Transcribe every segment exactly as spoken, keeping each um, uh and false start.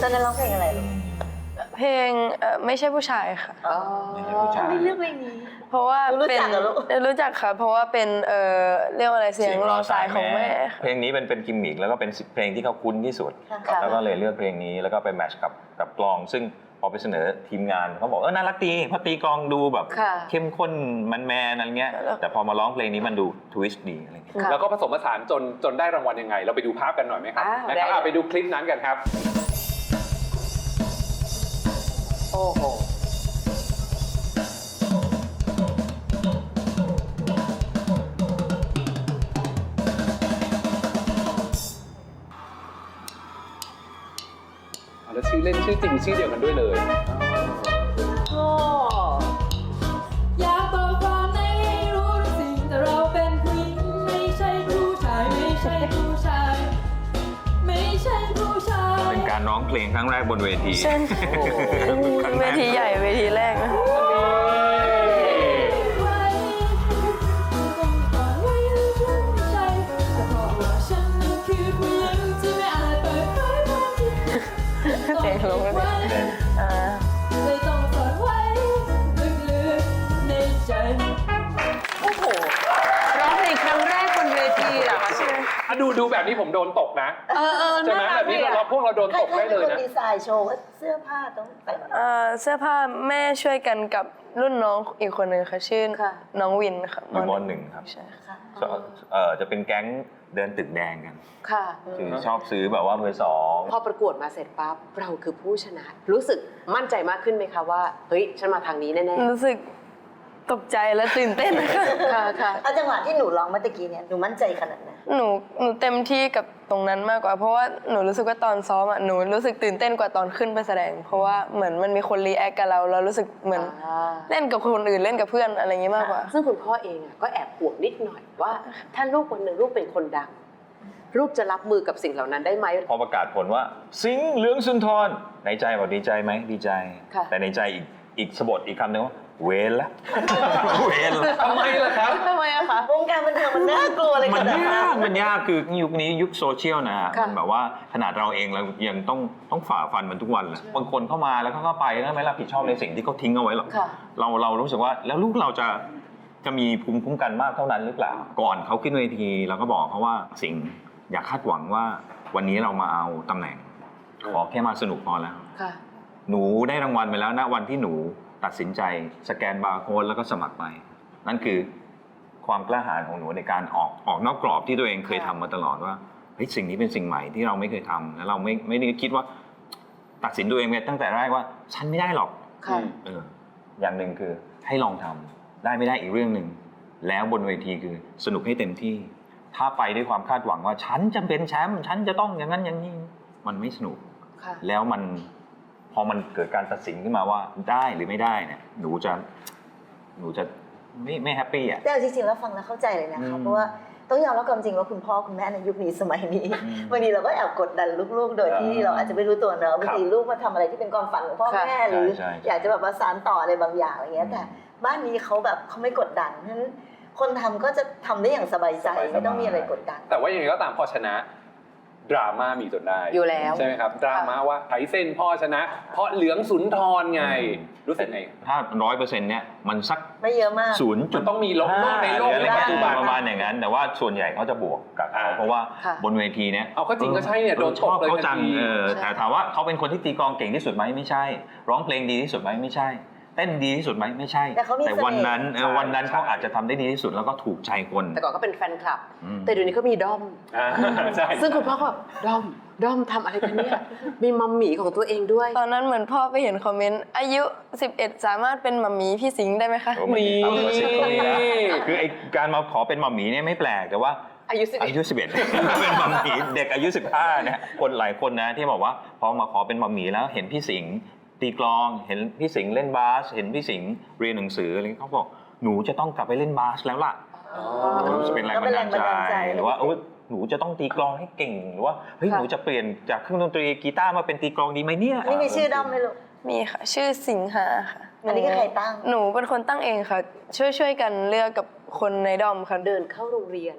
อนนั้นร้องเพลงอะไรลูกเพลงไม่ใช่ผู้ชายค่ะไม่ใช่ผู้ชายไม่เลือกเพลงนี้เพราะว่ารู้จักเหรอลูกรู้จักค่ะเพราะว่าเป็นเอ่อเรียกว่าอะไรเสียงรอสายของแม่เพลงนี้เป็นเป็นกิมมิคแล้วก็เป็นเพลงที่เขาคุ้นที่สุดแล้วก็เลยเลือกเพลงนี้แล้วก็ไปแมทช์กับกับกลองซึ่งพอไปเสนอทีมงานเขาบอกเออน่ารักดีพอตีกลองดูแบบเข้มข้นมันแมนอะไรเงี้ยแต่พอมาร้องเพลงนี้มันดูทวิสต์ดีอะไรเงี้ยแล้วก็ผสมผสานจนจนได้รางวัลยังไงเราไปดูภาพกันหน่อยไหมครับนะครับไปดูคลิปนั้นกันครับโอ้โหแล้วชื่อเล่นชื่อจริงชื่อเดียวกันด้วยเลยอยากบอกความในให้รู้ทุกสิ่งแต่เราเป็นผู้หญิงไม่ใช่ผู้ชายไม่ใช่ผู้ชายไม่ใช่ผู้ชายเป็นการร้องเพลงครั้งแรกบนเวทีเช่นเวทีใหญ่เวทีแรกนะเสียงลงแล้วเนี่ยเลยต้องฝันไว้ลึกๆในใจโอ้โหร้องเพลงครั้งแรกบนเวทีเหรอคะดูดูแบบนี้ผมโดนตกนะเออเออใช่ไหมแบบนี้เราพวกเราโดนตกได้เลยนะดีไซน์โชว์ว่าเสื้อผ้าต้องแต่งเสื้อผ้าแม่ช่วยกันกับรุ่นน้องอีกคนหนึ่งค่ะชื่อน้องวินค่ะมอหนึ่งครับใช่ค่ะเออจะเป็นแก๊งเดินตึกแดงกันค่ะคือชอบซื้อแบบว่าเบอร์สองพอประกวดมาเสร็จปั๊บเราคือผู้ชนะรู้สึกมั่นใจมากขึ้นไหมคะว่าเฮ้ยฉันมาทางนี้แน่ๆรู้สึกตกใจและตื่นเต้นค่ะค่ะเอาจังหวะที่หนูร้องเมื่อกี้เนี่ยหนูมั่นใจขนาดไหนหนูหนูเต็มที่กับตรงนั้นมากกว่าเพราะว่าหนูรู้สึกว่าตอนซ้อมอ่ะหนูรู้สึกตื่นเต้นกว่าตอนขึ้นไปแสดงเพราะว่าเหมือนมันมีคนรีแอคกับเราเรารู้สึกเหมือนเล่นกับคนอื่นเล่นกับเพื่อนอะไรอย่างงี้มากกว่าซึ่งคุณพ่อเองก็แอบห่วงนิดหน่อยว่าถ้าลูกวันหนึ่งลูกเป็นคนดังลูกจะรับมือกับสิ่งเหล่านั้นได้ไหมพอประกาศผลว่าสิงห์เหลืองสุนทรในใจบอกดีใจไหมดีใจแต่ในใจอีกอีกสะบดอีกคำหนึ่งว่าเวรละเวรละทำไมล่ะครับทำไมอะคะวงการบันเทิงมันน่ากลัวเลยมันยากมันยากคือยุคนี้ยุคโซเชียลนะฮะมันแบบว่าขนาดเราเองเรายังต้องต้องฝ่าฟันมันทุกวันเลยบางคนเข้ามาแล้วเขาก็ไปแล้วไม่รับผิดชอบในสิ่งที่เขาทิ้งเอาไว้หรอกเราเรารู้สึกว่าแล้วลูกเราจะจะมีภูมิคุ้มกันมากเท่านั้นหรือเปล่าก่อนเขาขึ้นเวทีเราก็บอกเขาว่าสิ่งอย่าคาดหวังว่าวันนี้เรามาเอาตำแหน่งขอแค่มาสนุกพอแล้วหนูได้รางวัลไปแล้วนะวันที่หนูตัดสินใจสแกนบาร์โค้ดแล้วก็สมัครไปนั่นคือความกล้าหาญของหนูในการออกออกนอกกรอบที่ตัวเองเคยทำมาตลอดว่าเฮ้ยสิ่งนี้เป็นสิ่งใหม่ที่เราไม่เคยทำแล้วเราไม่ไม่ได้คิดว่าตัดสินตัวเองตั้งแต่แรกว่าฉันไม่ได้หรอกเอออย่างหนึ่งคือให้ลองทำได้ไม่ได้อีกเรื่องหนึ่งแล้วบนเวทีคือสนุกให้เต็มที่ถ้าไปด้วยความคาดหวังว่าฉันจะเป็นแชมป์ฉันจะต้องอย่างนั้นอย่างนี้มันไม่สนุกแล้วมันพอมันเกิดการตัดสินขึ้นมาว่าได้หรือไม่ได้เนี่ยหนูจะหนูจะไม่ไม่แฮปปี้อ่ะแต่จริงๆแล้วฟังแล้วเข้าใจเลยนะคะเพราะว่าต้องยอมรับความจริงว่าคุณพ่อคุณแม่ในยุคนี้สมัยนี้บางทีเราก็แอบกดดันลูกๆโดยที่เราอาจจะไม่รู้ตัวเนอะบางทีลูกมาทำอะไรที่เป็นความฝันของพ่อแม่หรืออยากจะแบบประสานต่ออะไรบางอย่างอะไรเงี้ยแต่บ้านนี้เขาแบบเขาไม่กดดันเพราะฉะนั้นคนทำก็จะทำได้อย่างสบายใจไม่ต้องมีอะไรกดดันแต่ว่าอย่างไรก็ตามพอชนะดราม่ามีจนได้อยู่แล้วใช่ไหมครับดราม่าว่าไถเส้นพ่อชนะเพราะเหลืองสุนทรไงรู้สึกไงถ้าร้อยเปอร์เซ็นต์เนี่ยมันสักไม่เยอะมากศูนย์จุดต้องมีลบในโลกในปัจจุบันประมาณอย่างนั้นแต่ว่าส่วนใหญ่เขาจะบวกกับเขาเพราะว่าบนเวทีเนี่ยเอาก็จริงก็ใช่เนี่ยโดนชอบเขาจังแต่ถามว่าเขาเป็นคนที่ตีกลองเก่งที่สุดไหมไม่ใช่ร้องเพลงดีที่สุดไหมไม่ใช่เต้นดีที่สุดไหมไม่ใช่แต่วันนั้นวันนั้นเขาอาจจะทำได้ดีที่สุดแล้วก็ถูกใจคนแต่ก่อนก็เป็นแฟนคลับแต่เดี๋ยวนี้เขามีด้อมซึ่งคุณพ่อก็แบบด้อมด้อมทำอะไรกันเนี่ยมีมัมหมี่ของตัวเองด้วยตอนนั้นเหมือนพ่อไปเห็นคอมเมนต์อายุสิบเอ็ดสามารถเป็นมัมหมี่พี่สิงห์ได้ไหมคะมีคือไอการมาขอเป็นมัมหมี่เนี่ยไม่แปลกแต่ว่าอายุสิบเอ็ดอายุสิบเอ็ดเป็นมัมหมี่เด็กอายุสิบห้าเนี่ยคนหลายคนนะที่บอกว่าพอมาขอเป็นมัมหมี่แล้วเห็นพี่สิงห์ตีกลองเห็นพี่สิงห์เล่นบาสเห็นพี่สิงห์เรียนหนังสืออะไรเขาบอกหนูจะต้องกลับไปเล่นบาสแล้วล่ะจะเป็นแรงบันดาลใจหรือว่าหนูจะต้องตีกลองให้เก่งหรือว่าเฮ้ยหนูจะเปลี่ยนจากเครื่องดนตรีกีตาร์มาเป็นตีกลองดีไหมเนี่ยนี่มีชื่อด้อมไหมลูกมีค่ะชื่อสิงหาค่ะอันนี้ก็ใครตั้งหนูเป็นคนตั้งเองค่ะช่วยช่วยกันเลือกกับคนในด้อมค่ะเดินเข้าโรงเรียน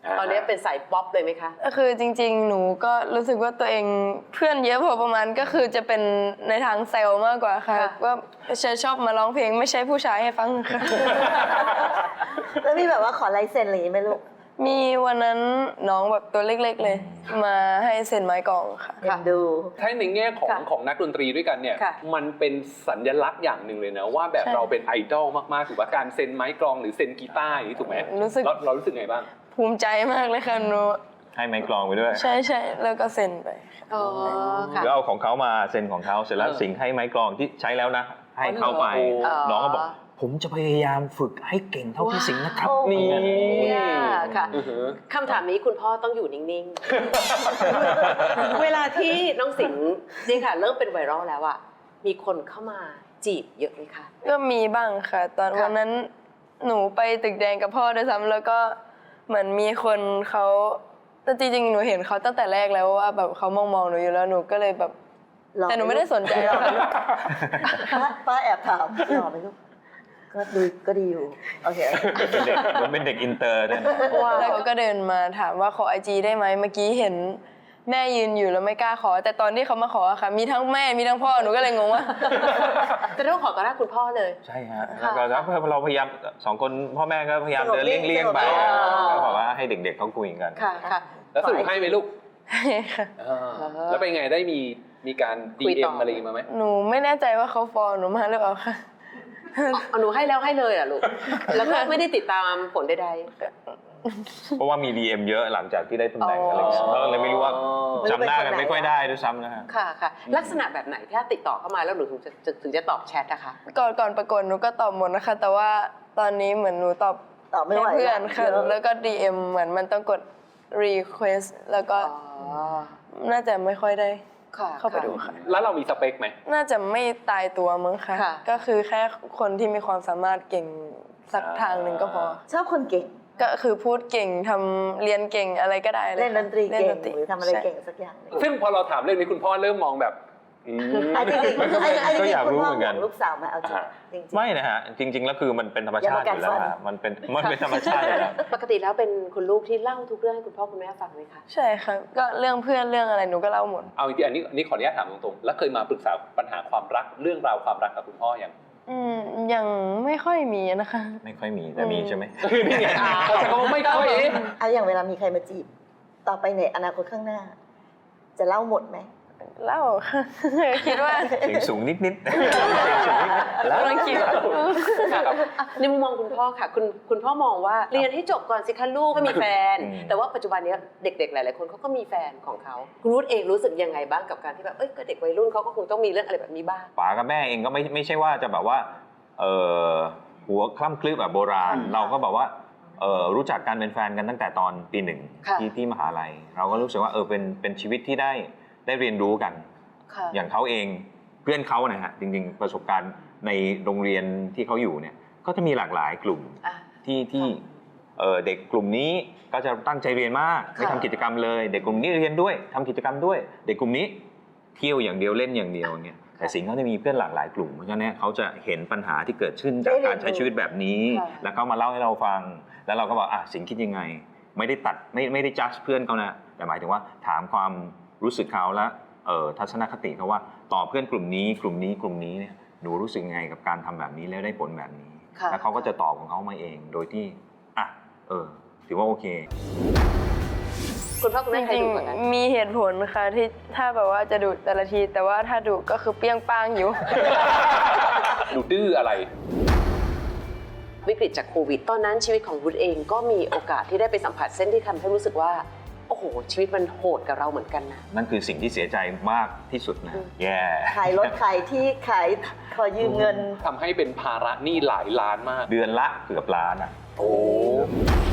ตอนนี้เป็นสายป๊อปเลยไหมคะก็คือจริงๆ หนูก็รู้สึกว่าตัวเองเพื่อนเยอะพอประมาณก็คือจะเป็นในทางเซลล์มากกว่าค่ะค่ะว่าจะชอบมาร้องเพลงไม่ใช่ผู้ชายให้ฟังค่ะแล้วมีแบบว่าขอลายเซ็นอะไรอย่างงี้ไหมลูกมีวันนั้นน้องแบบตัวเล็กๆเลย มาให้เซ็นไม้กลองค่ะเอ็นดูถ้าในแง่ของค่ะของนักดนตรีด้วยกันเนี่ยค่ะมันเป็นสัญลักษณ์อย่างหนึ่งเลยนะว่าแบบใช่เราเป็นไอดอลมากๆถูกป่ะการเซ็นไม้กลองหรือเซ็นกีตาร์อย่างนี้ถูกไหมรู้สึกเราเรารู้สึกไงบ้างภูมิใจมากเลยค่ะหนูให้ไม้กลองไปด้วยใช่ใช่แล้วก็เซ็นไปอ๋อค่ะคือเอาของเขามาเซ็นของเขาเสร็จแล้วเออสิงให้ไม้กลองที่ใช้แล้วนะ ให้เข้าไปอ๋อน้องก็บอก ผมจะพยายามฝึกให้เก่งเท่าพี่สิงห์นะครับว้าวนี่เนี่ยค่ะอือหือคำถามนี้คุณพ่อต้องอยู่นิ่งๆ เวลาที่น้องสิงห์นี่ค่ะเริ่มเป็นไวรัลแล้วอะมีคนเข้ามาจีบเยอะไหมคะก็มีบ้างค่ะ ตอนค่ะวันนั้นหนูไปตึกแดงกับพ่อด้วยซ้ำแล้วก็เหมือนมีคนเขาแต่จริงๆ หนูเห็นเขาตั้งแต่แรกแล้วว่าแบบเขามองมองๆหนูอยู่แล้วหนูก็เลยแบบหล่อแต่หนูไม่ได้สนใจหรอกค่ะป้าป้าแอบถามหล่อไหมลูก ก็ดูก็ดีอยู่ โอเคเป็นเด็กผมเป็นเด็กอินเตอร์ด้วยนะแล้วเขาก็เดินมาถามว่าขอไอจีได้ไหมเมื่อกี้เห็นแม่ยืนอยู่แล้วไม่กล้าขอ แต่ตอนที่เขามาขออะค่ะ มีทั้งแม่มีทั้งพ่อหนูก็เลยงงว่าแต่ต้องขอต่อหน้าคุณพ่อเลยใช่ฮะค่ะแล้วก็เราพยายามสองคนพ่อแม่ก็พยายามเดินเลี่ยงๆไปสงบนิ่งก็บอกว่าให้เด็กๆเขาคุยกันค่ะค่ะแล้วสรุปให้ไหมลูกค่ะอ่าแล้วเป็นไงได้มีมีการคุยดีต่เอ็อมอะไรอย่างงี้มาไหมหนูไม่แน่ใจว่าเขาฟอลหนูมาหรือเปล่าค่ะเอาหนูให้แล้วให้เลยเหรอ่ะลูก แล้วก็ไม่ได้ติดตามผลใดเพราะว่ามี ดี เอ็ม เยอะหลังจากที่ได้ตำแหน่งอะไรเงี้ยอ๋อก็เลยไม่รู้ว่าจำหน้ากันไม่ค่อยได้ด้วยซ้ำนะฮะๆ ค่ะค่ะ ลักษณะแบบไหนถ้าติดต่อเข้ามาแล้วหนูถึงจะจะถึงจะตอบแชทนะคะก่อนก่อนประกวดหนูก็ตอบหมดนะคะ แต่ว่าตอนนี้เหมือนหนูตอบตอบไม่แค่ไหวเพื่อนค่ะเยอะแล้วก็ ดี เอ็ม เหมือนมันต้องกด request แล้วก็อ๋อน่าจะไม่ค่อยได้ค่ะเข้าไปดูค่ะแล้วเรามีสเปคไหมน่าจะไม่ตายตัวมั้งคะค่ะก็คือแค่คนที่มีความสามารถเก่งสักทางหนึ่งก็พอชอบคนเก่งก็คือพูดเก่งทำเรียนเก่งอะไรก็ได้เลยเล่นดนตรีค่ะเก่งนตหรือทำอะไรใช่เก่งสักอย่างหนึ่งซึ่งพอเราถามเรื่องนี้คุณพ่อเริ่มมองแบบอืมอ่ะจริงๆมันก็ไอ้ไอ้จก็ริงอยากๆคุณรู้พ่อเหมือนขกัอน งลูกสาวมาเอาจริงอ่าจริงๆไม่นะฮะ จริง ๆ แล้วคือมันเป็นธรรมชาติอยู่แล้วอย่ามากัดฟันฮะมันเป็นมันเป็นธรรมชาติอยู่แล้วปกติแล้วเป็นคุณลูกที่เล่าทุกเรื่องให้คุณพ่อคุณแม่ฟังไหมคะใช่ค่ะก็เรื่องเพื่อนเรื่องอะไรหนูก็เล่าหมดเอาจริงๆอันนี้อันนี้ขออนุญาตถามตรงๆ แล้วเคยมาปรึกษาปัญหาความรักเรื่องราวความรักกับคุณพ่อยังอืมยังไม่ค่อยมีนะคะไม่ค่อยมีแต่มีใช่ไหมนี่ไงเขาจะก็ไม่ค่อยอ่ะอย่างเวลามีใครมาจีบ ต่อไปในอนาคตข้างหน้า จะเล่าหมดไหมเล่าค่ะ คิดว่าเสียงสูงนิดๆแล้วกำลังคิดครับอ่ะในมุมมองคุณพ่อค่ะ คุณคุณพ่อมองว่าเรียนให้จบก่อนสิคะลูกก็มีแฟนอืมแต่ว่าปัจจุบันนี้เด็กๆ หลายๆคนเขาก็มีแฟนของเขาคุณรุธเองรู้สึกยังไงบ้างกับการที่แบบเอ้ยก็เด็กวัยรุ่นเขาก็คงต้องมีเรื่องอะไรแบบนี้บ้างป๋ากับแม่เองก็ไม่ไม่ใช่ว่าจะแบบว่าเออหัวคล่ำคลืบแบบโบราณค่ะเราก็แบบว่าเออรู้จักกันเป็นแฟนกันตั้งแต่ตอนปีหนึ่งค่ะที่ที่มหาลัย เราก็รู้สึกว่าเออเป็นเป็นชีวิตที่ได้ได้เรียนรู้กันค่ะอย่างเขาเองเพื่อนเขานะฮะจริงๆประสบการณ์ในโรงเรียนที่เขาอยู่เนี่ยก็จะมีหลากหลายกลุ่มอ่ะที่ที่เอ่อเด็กกลุ่มนี้ก็จะตั้งใจเรียนมากไม่ทำกิจกรรมเลย เด็กกลุ่มนี้เรียนด้วยทำกิจกรรมด้วย เด็กกลุ่มนี้เที่ยวอย่างเดียวเล่นอย่างเดียวเนี่ยแต่สิงห์เขาจะมีเพื่อนหลากหลายกลุ่มเพราะฉะนั้นเขาจะเห็นปัญหาที่เกิดขึ้นจากการใช้ชีวิตแบบนี้ค่ะแล้วเขามาเล่าให้เราฟัง แล้วเราก็บอกอ่ะสิงห์คิดยังไง ไม่ได้ตัดไม่ไม่ได้จัดเพื่อนเขานะแต่หมายถึงว่าถามความรู้สึกเขาและเอ่อทัศนคติเขาว่าต่อเพื่อนกลุ่มนี้กลุ่มนี้กลุ่มนี้เนี่ยหนูรู้สึกยังไงกับการทำแบบนี้แล้วได้ผลแบบนี้ค่ะแล้วเขาก็จะตอบของเขามาเองโดยที่อ่ะเออถือว่าโอเคคุณพ่อคุณจแม่ใครริงดูกว่ากันๆมีเหตุผลค่ะที่ถ้าแบบว่าจะดุแต่ละที แต่ว่าถ้าดุก็คือเปรี้ยงป้างอยู่ดูดื้ออะไรวิกฤตจากโควิด ตอนนั้นชีวิตของวุฒิเองก็มีโอกาสที่ได้ไปสัมผัสเส้นที่ทำให้รู้สึกว่าโอ้โหชีวิตมันโหดกับเราเหมือนกันนะนั่นคือสิ่งที่เสียใจมากที่สุดนะอืมแย่ขายรถขายที่ขายขอยืมเงินทำให้เป็นภาระหนี้หลายล้านมากเดือนละเกือบล้านอ่ะโอ้